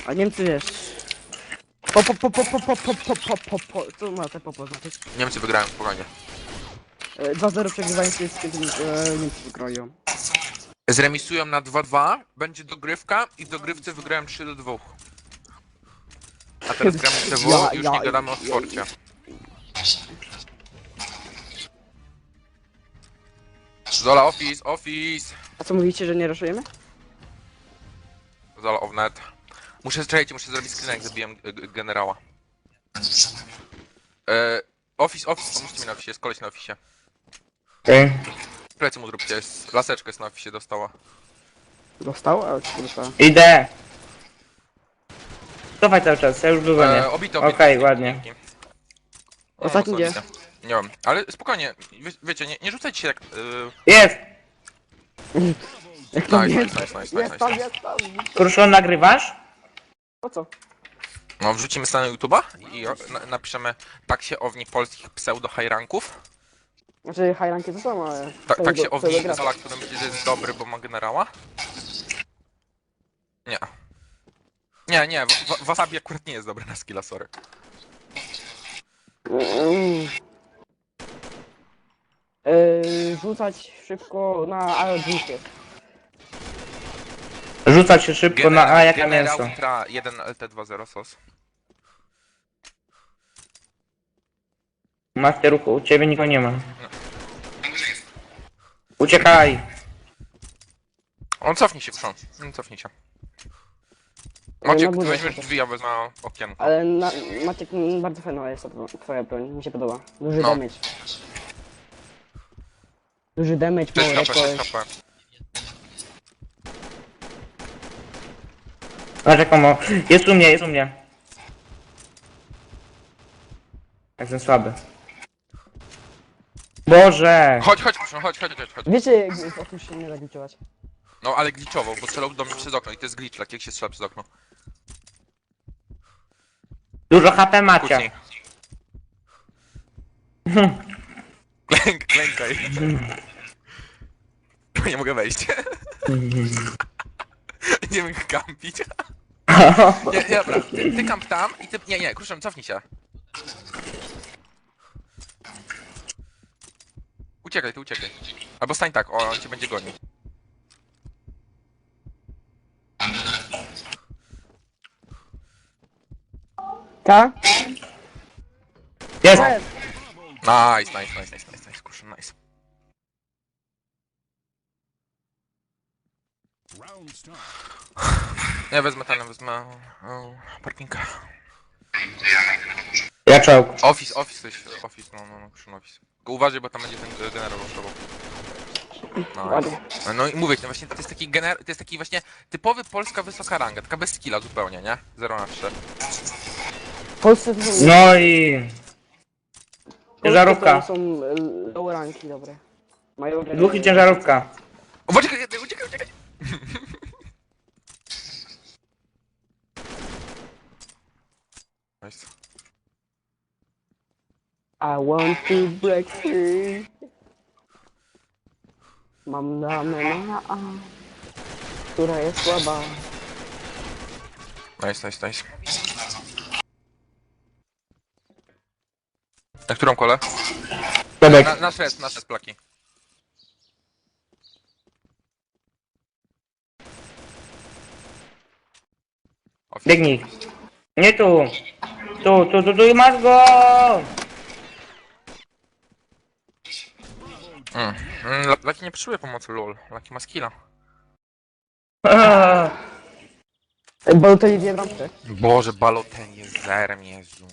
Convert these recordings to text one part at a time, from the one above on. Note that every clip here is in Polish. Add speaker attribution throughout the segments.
Speaker 1: A Niemcy wiesz... Co ma te popo znaczyć?
Speaker 2: Niemcy wygrają, spokojnie.
Speaker 1: 2-0 przegrywają z Niemcy wygrają.
Speaker 2: Zremisują na 2-2, będzie dogrywka i w dogrywce wygrają 3-2. A teraz gramy w CW i już nie gadamy o sporcie. Zola office!
Speaker 1: A co mówicie, że nie ruszujemy?
Speaker 2: Zola offnet. Muszę zrobić screen, jak zabiłem generała. Office, pomóżcie mi na office, jest koleś na office.
Speaker 3: Okej.
Speaker 2: Plecy mu zróbcie, laseczkę jest na office dostała.
Speaker 1: Dostał? A co dostała?
Speaker 3: Idę. Cofaj cały czas, ja już dogonię.
Speaker 2: Obito.
Speaker 3: Okej, ładnie.
Speaker 2: Dzięki.
Speaker 1: Ostatni gdzie?
Speaker 2: Nie wiem, ale spokojnie, wiecie, nie rzucajcie się jak...
Speaker 3: Jest!
Speaker 1: Jak to
Speaker 2: Nice.
Speaker 1: Jest tam.
Speaker 3: Kruszon, nagrywasz?
Speaker 1: Po co?
Speaker 2: No, wrzucimy sobie na YouTube'a i napiszemy tak się owni polskich pseudo-high-ranków.
Speaker 1: Znaczy hajranki to samo, ale...
Speaker 2: Tak się owni
Speaker 1: pseudo-gra.
Speaker 2: Zola, który myśli, że jest dobry, bo ma generała. Nie, Wasabi akurat nie jest dobry na skilla, sorry.
Speaker 1: Rzucać szybko na AO2.
Speaker 3: Rzucać się szybko na A jak na
Speaker 2: Generał
Speaker 3: mięso.
Speaker 2: Tra 1 LT20 sos.
Speaker 3: Macie ruchu, u ciebie nikogo nie ma. Uciekaj!
Speaker 2: On cofnij się, proszę. Cofnij się.
Speaker 1: Na
Speaker 2: Maciek, ty
Speaker 1: górze
Speaker 2: weźmiesz
Speaker 1: chociaż.
Speaker 2: drzwi, ja wezmę okienko.
Speaker 1: Ale Maciek, bardzo fajna jest twoja broń, mi się podoba. Duży
Speaker 2: No.
Speaker 1: damage. Duży damage,
Speaker 2: 6
Speaker 1: mało
Speaker 2: HP, 6
Speaker 1: jakoś.
Speaker 2: HP.
Speaker 3: A czekam, jest u mnie. Jestem słaby. Boże!
Speaker 2: Chodź, proszę, chodź.
Speaker 1: Wiecie, jak o tym się nie da gliczować.
Speaker 2: No, ale glitchował, bo strzelał do mnie przez okno i to jest glitch, jak się strzela przez okno.
Speaker 3: Dużo HP macie.
Speaker 2: Kucnij. Klękaj. Nie mogę wejść. Nie mogę kampić. Nie, dobra, ty kamp tam i ty... Nie, Kruszem, cofnij się. Uciekaj. Albo stań tak, on cię będzie gonił.
Speaker 1: Tak?
Speaker 3: Jest!
Speaker 2: Nice, Kruszem, nice. Ja wezmę parkinga.
Speaker 3: Ja czołg.
Speaker 2: Office, no, Kruszem, office. Tylko uważaj, bo tam będzie ten generał ruszował.
Speaker 1: Ładnie.
Speaker 2: No i mówię, no właśnie to jest taki właśnie typowy polska wysoka ranga, taka bez skilla zupełnie, nie? 0 na 3.
Speaker 1: W Polsce to są...
Speaker 3: No i... Ciężarówka.
Speaker 1: To są low ranki dobre. Mają...
Speaker 3: Dwóch i ciężarówka.
Speaker 2: O, uciekaj! Nice.
Speaker 1: I want to break free. Mam damę na A, która jest słaba.
Speaker 2: Nice. Na którą kolę?
Speaker 3: Tobek.
Speaker 2: Na stres plaki. Office.
Speaker 3: Biegnij. Nie tu. Tu i masz go!
Speaker 2: Laki nie potrzebuje pomocy, lol. Laki ma skilla.
Speaker 1: Bo to nie bramkę.
Speaker 2: Boże, Balotelli jest zerem, Jezu.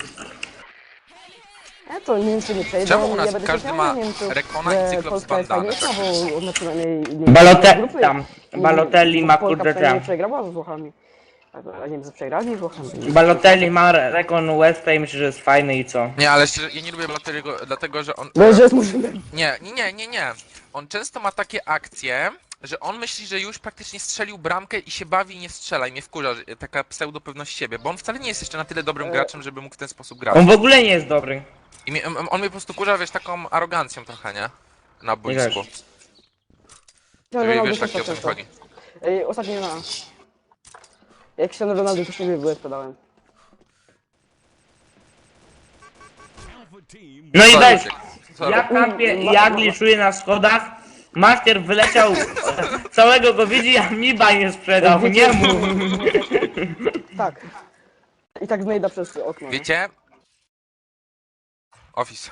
Speaker 1: To Niemcy nie przejdą.
Speaker 2: Czemu u nas
Speaker 1: ja będę
Speaker 2: każdy
Speaker 1: się
Speaker 2: ma
Speaker 1: śmiał z Niemców,
Speaker 2: Rekona
Speaker 1: że
Speaker 2: i Cyclops
Speaker 1: Polska jest
Speaker 2: bandana?
Speaker 1: fajniejsza, bo ona przynajmniej...
Speaker 3: Balotelli ma
Speaker 1: Polska
Speaker 3: kurde
Speaker 1: przynajmniej
Speaker 3: tam.
Speaker 1: przegrała z Włochami. A Niemcy przegrali z Włochami.
Speaker 3: Balotelli ma rekon Westa i myślę, że jest fajny i co?
Speaker 2: Nie, ale szczerze, ja nie lubię Balotelliego, dlatego że on...
Speaker 1: No, że jest murzynem.
Speaker 2: Nie. On często ma takie akcje, że on myśli, że już praktycznie strzelił bramkę i się bawi i nie strzela i mnie wkurza, że taka pseudo pewność siebie, bo on wcale nie jest jeszcze na tyle dobrym graczem, żeby mógł w ten sposób grać.
Speaker 3: On w ogóle nie jest dobry.
Speaker 2: I on mnie po prostu kurza, wiesz, taką arogancją trochę, nie? Na boisku. Wiesz, jak o co mi chodzi.
Speaker 1: Ostatnio na...
Speaker 4: Jak się Ronaldo to sobie były sprzedałem.
Speaker 3: No i
Speaker 2: Co,
Speaker 3: weź,
Speaker 2: Luciek? Co
Speaker 3: ja kampię, ja gliszuję na schodach. Master wyleciał, całego go widzi, a mi nie sprzedał, nie mu.
Speaker 4: Tak. I tak znajdę przez okno. nie?
Speaker 2: Wiecie? Office.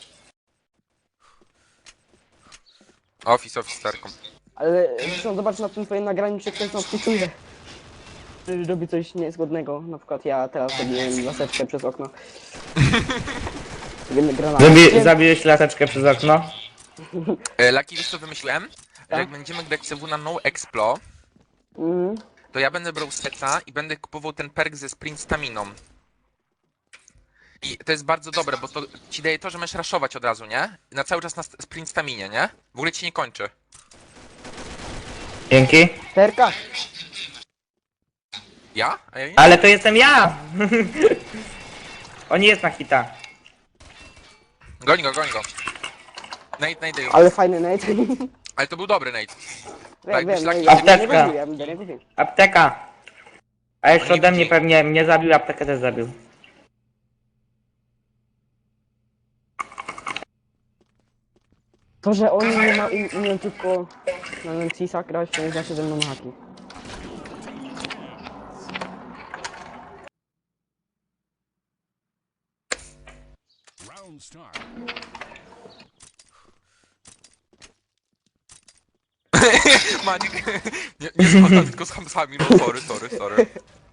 Speaker 2: Office, Terkom.
Speaker 4: Ale zresztą zobacz na tym twoim nagraniu, czy ktoś nas wpisuje. Czy robi coś niezgodnego. Na przykład ja teraz robiłem laseczkę przez okno. Wiemy granat.
Speaker 3: Zabiłeś laseczkę przez okno?
Speaker 2: Laki, wiesz co wymyśliłem? Że
Speaker 4: Tak?
Speaker 2: jak będziemy grać CW na No Explo,
Speaker 4: Mhm.
Speaker 2: to ja będę brał seta i będę kupował ten perk ze sprint staminą. I to jest bardzo dobre, bo to ci daje to, że możesz raszować od razu, nie? Na cały czas na sprint staminie, nie? W ogóle ci nie kończy.
Speaker 3: Dzięki.
Speaker 4: Terka!
Speaker 2: Ja? A ja nie?
Speaker 3: Ale to jestem ja! On nie jest na hita.
Speaker 2: Goń go, goń go. Nate już.
Speaker 4: Ale fajny Nate.
Speaker 2: Ale to był dobry Nate.
Speaker 4: Wiem, wiem,
Speaker 2: Laki-
Speaker 4: ja nie
Speaker 3: Apteczka.
Speaker 4: mówiłem, ja nie mówiłem.
Speaker 3: Apteka. A jeszcze
Speaker 2: Oni
Speaker 3: ode mnie
Speaker 2: widzi.
Speaker 3: pewnie mnie zabił, aptekę też zabił.
Speaker 4: To, że oni nie ma umieją tylko na Nancy'sa grać, to nie znaczy, że będą haki.
Speaker 5: Round start.
Speaker 2: Manik, nie z kota, tylko z hamsami, no sorry.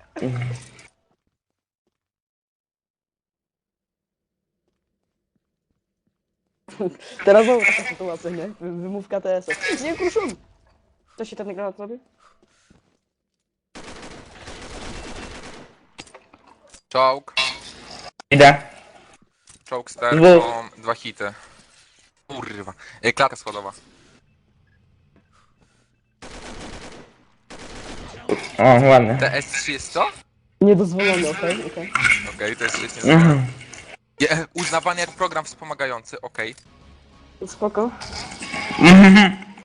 Speaker 4: Teraz znowu taka sytuacja, nie? Wymówka TS-ów. Nie, kruszun! Co się ten granat robi?
Speaker 2: Czołg.
Speaker 3: Idę.
Speaker 2: Czołg z
Speaker 3: Dwóch.
Speaker 2: terką, 2 hity. Kurwa. Klatka schodowa.
Speaker 3: O, ładne.
Speaker 2: TS3 jest co?
Speaker 4: Niedozwolony, okej, okej.
Speaker 2: Okej, to jest świetnie.
Speaker 3: Mhm.
Speaker 2: Uznawany jak program wspomagający, okej.
Speaker 4: Spoko.
Speaker 3: Mhm.